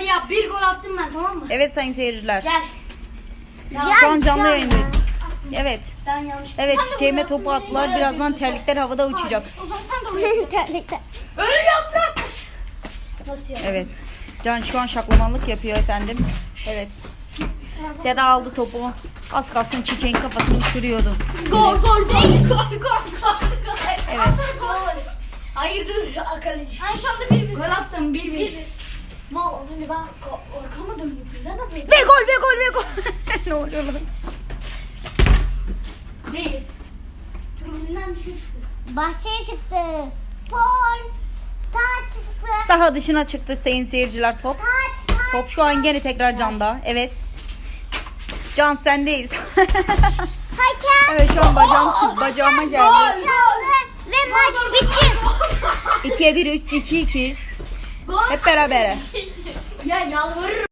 yap. Bir gol attım ben, tamam mı? Evet sayın seyirciler. Gel. Şu an canlı yayındayız. Evet. Sen yanlış. Evet, Sen de çiçeğime bunu topu yaptın, attılar. böyle Birazdan yapıyorsun. terlikler havada uçacak. O zaman sen de onu yapacaksın. Öyle yaprak. Nasıl yap? Evet. Can şu an şaklamanlık yapıyor efendim. Evet. Seda aldı topu. Az kalsın çiçeğin kafasını sürüyordu. Gol değil. Gol. Evet. Gol. Hayır dur arkadaş. Ben şu anda 1-1. Gol attım 1-1. Mal az önce ben arkama döndüm. Sen nasıl? Ve gol. Ne oluyor lan? Değil. Tribünden düşmüştü. Bahçeye çıktı. Gol. Taç çıktı. Saha dışına çıktı sayın seyirciler top. Taç. Top şu an gene tekrar Can'da. Evet. Can sendeyiz. Hakem. Evet şu an bacağıma geldi. Çaldı. Ve maç bitti. 2'ye 1 3 2-2. Gol. Hep beraber. Ya yalvarırım.